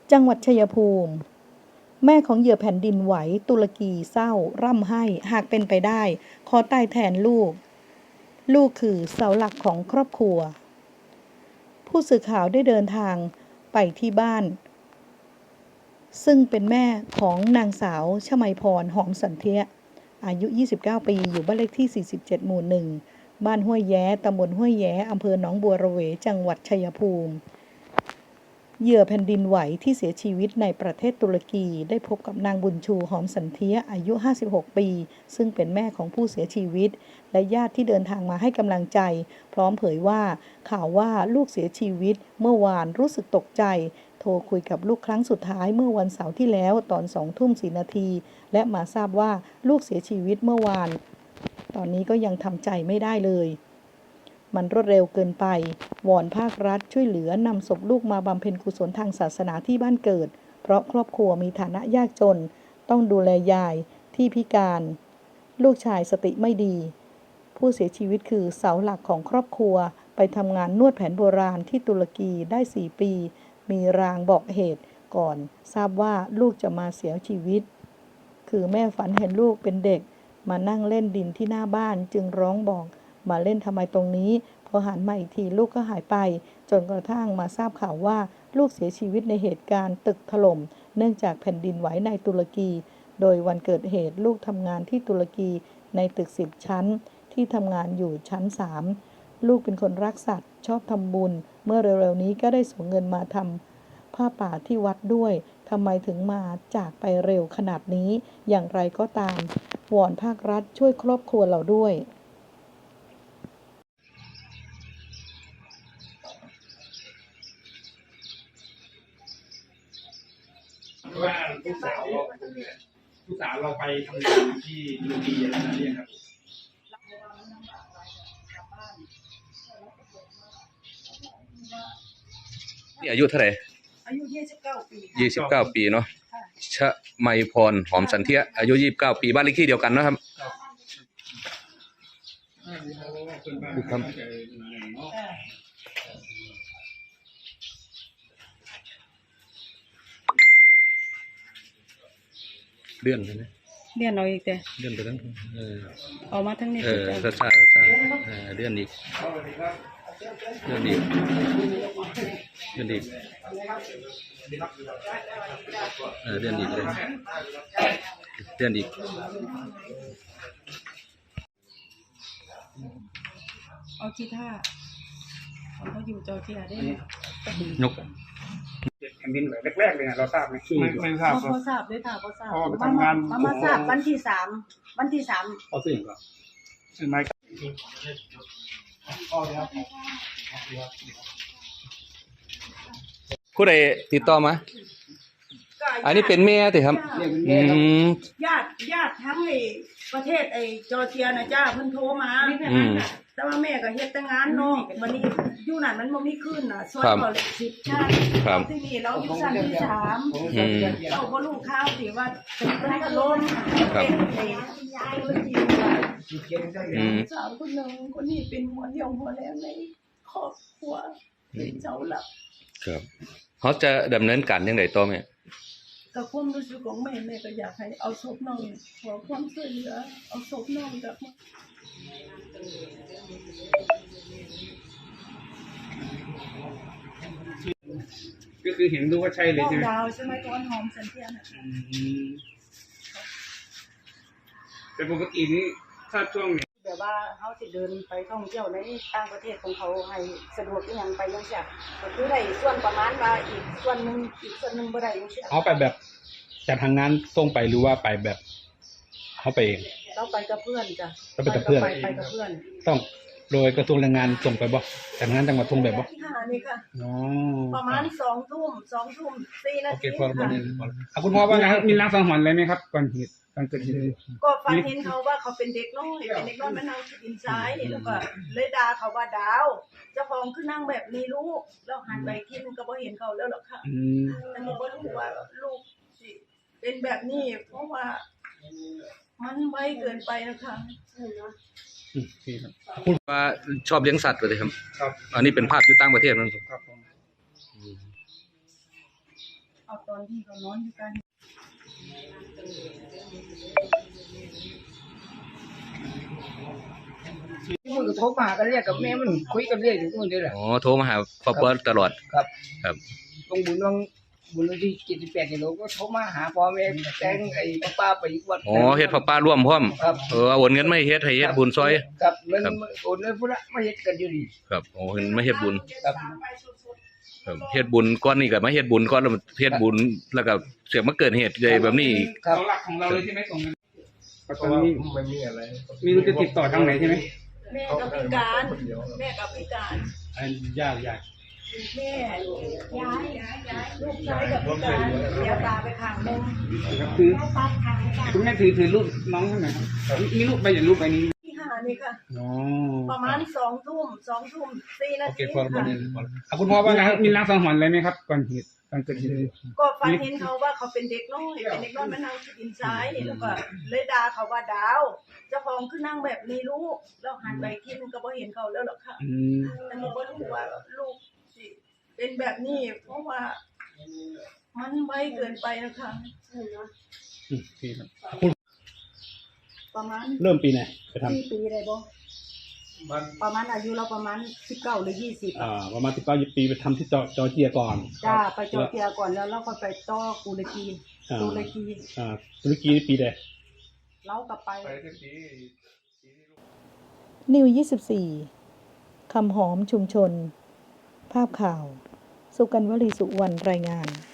จังหวัดชัยภูมิแม่ของเหยื่อแผ่นดินไหวตุรกีเศร้าร่ำไห้หากเป็นไปได้ขอตายแทนลูกคือเสาหลักของครอบครัวผู้สื่อข่าวได้เดินทางไปที่บ้านซึ่งเป็นแม่ของนางสาวชมัยพรหอมสันเทียอายุ29ปีอยู่บ้านเลขที่47หมู่1บ้านห้วยแย้ตำบลห้วยแย้อำเภอหนองบัวระเวจังหวัดชัยภูมิเหยื่อแผ่นดินไหวที่เสียชีวิตในประเทศตุรกีได้พบกับนางบุญชูหอมสันเทียอายุ56ปีซึ่งเป็นแม่ของผู้เสียชีวิตและญาติที่เดินทางมาให้กำลังใจพร้อมเผยว่าข่าวว่าลูกเสียชีวิตเมื่อวานรู้สึกตกใจโทรคุยกับลูกครั้งสุดท้ายเมื่อวันเสาร์ที่แล้วตอน20:04 น.และมาทราบว่าลูกเสียชีวิตเมื่อวานตอนนี้ก็ยังทำใจไม่ได้เลยมันรวดเร็วเกินไปวอนภาครัฐช่วยเหลือนำศพลูกมาบำเพ็ญกุศลทางศาสนาที่บ้านเกิดเพราะครอบครัวมีฐานะยากจนต้องดูแลยายที่พิการลูกชายสติไม่ดีผู้เสียชีวิตคือเสาหลักของครอบครัวไปทำงานนวดแผนโบราณที่ตุรกีได้4 ปีมีรางบอกเหตุก่อนทราบว่าลูกจะมาเสียชีวิตคือแม่ฝันเห็นลูกเป็นเด็กมานั่งเล่นดินที่หน้าบ้านจึงร้องบอกมาเล่นทำไมตรงนี้พอหันมาอีกทีลูกก็หายไปจนกระทั่งมาทราบข่าวว่าลูกเสียชีวิตในเหตุการณ์ตึกถล่มเนื่องจากแผ่นดินไหวในตุรกีโดยวันเกิดเหตุลูกทำงานที่ตุรกีในตึก10 ชั้นที่ทำงานอยู่ชั้น3ลูกเป็นคนรักสัตว์ชอบทำบุญเมื่อเร็วๆนี้ก็ได้ส่งเงินมาทำผ้าป่าที่วัดด้วยทำไมถึงมาจากไปเร็วขนาดนี้อย่างไรก็ตามวอนภาครัฐช่วยครอบครัวเราด้วยว่าลูกสาวเราไปทำงานที่ตุรกีอะไรนั่นเองครับนี่อายุเท่าไหร่อายุ29 ปี 29 ปีเนาะชมัยพรหอมสันเทียอายุ29 ปีบ้านเลขที่เดียวกันนะครับเลื่อนไปไหมเลื่อนเอาอีกแต่เลื่อนไปทั้งออกมาทั้งนี้ช้าเลื่อนอีกเลื่อนอีกเลื่อนอีกเลื่อนอีกเลยเลื่อนอีกเอาที่ท่าเขาอยู่จอร์เจียได้นกแผ่นดินไหวแรกๆเลยนะเราทราบไหมไม่ทราบพอทราบด้วยค่ะพอทราบไปทำงานมาทราบวันที่3 เอาสิ่งก่อนใช่ไหมผู้ใดติดต่อมาอันนี้เป็นแม่ติครับญาติทั้งไอ้ประเทศไอ้จอร์เจียนะจ้าเพิ่นโทรมาแต่ว่าแม่ก็เฮ็ดแต่งานเนาะวันนี้อยู่นั่นมันบ่มีคืนน่ะซอยเขาเลย10 ชาติที่นี่เราอยู่ชั้นที่3เราบ่รู้ข่าวสิว่าเป็นถล่มยายเลยจริงสาวคนนึงคนนี้เป็นหัวเดียวหัวแรงในครอบครัวเป็นเสาหลักครับเขาจะดำเนินการยังไงต่อแม่กับความรู้สึกของแม่ก็อยากให้เอาศพน้องขอความช่วยเหลือเอาศพน้องกลับมาก็คือเห็นดูว่าใช่เลยใช่ไหมดาวใช่ไหมตอนหอมสันเทียนแต่ปกตินี้ถ้าช่วงนี้แบบว่าเขาจะเดินไปท่องเที่ยวในต่างประเทศของเขาให้สะดวกอย่างไปยังเสียก็คือได้ส่วนประมาณว่าอีกส่วนหนึ่งบ่ได้ยังเสียเอาไปแบบจากทางงานส่งไปหรือว่าไปแบบเขาไปเองเราไปกับเพื่อนจ้ะไปกับเพื่อนต้องโดยกระทรวงแรงงานส่งไปบ่จากงานจังหวัดส่งแบบบ่นี่ค่ะประมาณ2 ทุ่ม4 นาทีคุณพ่อว่าไงมีรางสังหรณ์อะไรไหมครับก่อนเหตุก็ฝันเห็นเขาว่าเขาเป็นเด็กน้อยมานั่งที่ดินซ้ายแล้วก็เลยด่าเขาว่าดาวเจ้าของคือนั่งแบบนี้ลูกแล้วหันไปทีนึงก็บ่เห็นเขาแล้วหรอกค่ะแต่ก็บ่รู้ว่าลูกสิเป็นแบบนี้เพราะว่ามันไวเกินไปนะคะคุณว่าชอบเลี้ยงสัตว์เลยครับอันนี้เป็นภาพที่ต่างประเทศนั่นครับเอาตอนที่เขานอนอยู่กันที่มันก็โทรมากันเรียกกับแม่มันคุยกันเรื่อยอยู่คนเดียวแหละอ๋อโทรมาหาครอบครัวตลอดครับครับลงบุญวันที่78กิโลก็โทรมาหาพ่อแม่แต่งไอ้ป้าไปอีกวัดอ๋อเฮ็ดผ้าป่าร่วมพร้อมครับโอนเงินมาให้เฮ็ดให้เฮ็ดบุญซอยครับเงินโอนเงินพุ่นละมาเฮ็ดกันอยู่ดีครับโอ้เห็นมาเฮ็ดบุญครับครับเฮ็ดบุญก่อนนี่ก็มาเฮ็ดบุญก่อนแล้วเฮ็ดบุญแล้วก็เสือกมาเกิดเหตุใหญ่แบบนี้อีกครับเสาหลักของเราเลยใช่ไหมตรงนั้นเพราะว่าไม่มีอะไรมีรู้จะติดต่อทางไหนใช่ไหมแม่กับพิการแม่กับพิการอันยากแม่ย้ายลูกชายกับพิการเสียตาไปข้างหนึงคือตัดข้างไปคุณแม่ถือรูปน้องท่านไหนครับมีรูปใบอย่างรูปใบนี้ที่หานี่ค่ะอ๋อประมาณ2 ทุ่ม4 นาโอเคทีพอค่ะคุณพ่อว่ามีล้างสังหรณ์อะไรไหมครับก่อนเหตุก่อนเกิดเหตุก็ฝันเห็นเขาว่าเขาเป็นเด็กน้อยเป็นเด็กน้อยมานั่งที่ดินซ้ายแล้วก็เลยด่าเขาว่าดาวเจ้าของคือนั่งแบบนี้ลูกแล้วหันไปที่นึงก็บ่เห็นเขาแล้วหรอกค่ะ อันนี้ก็รู้ว่าลูกสิเป็นแบบนี้เพราะว่ามันไวเกินไปนะคะพี่ครับประมาณเริ่มปีไหนไปท 4 ปีได้บ่ประมาณอายุเราประมาณ19 หรือ 20 ำประมาณ19 ปีไปทำที่จอร์เจียก่อนจ้าไปจอร์เจียก่อนแล้วเราก็ไปต่อตุรกีตุรกีนี่ปีใดเราก็ไปนิว 24 คำหอมชุมชน ภาพข่าว สุกันวลีสุวรรณรายงาน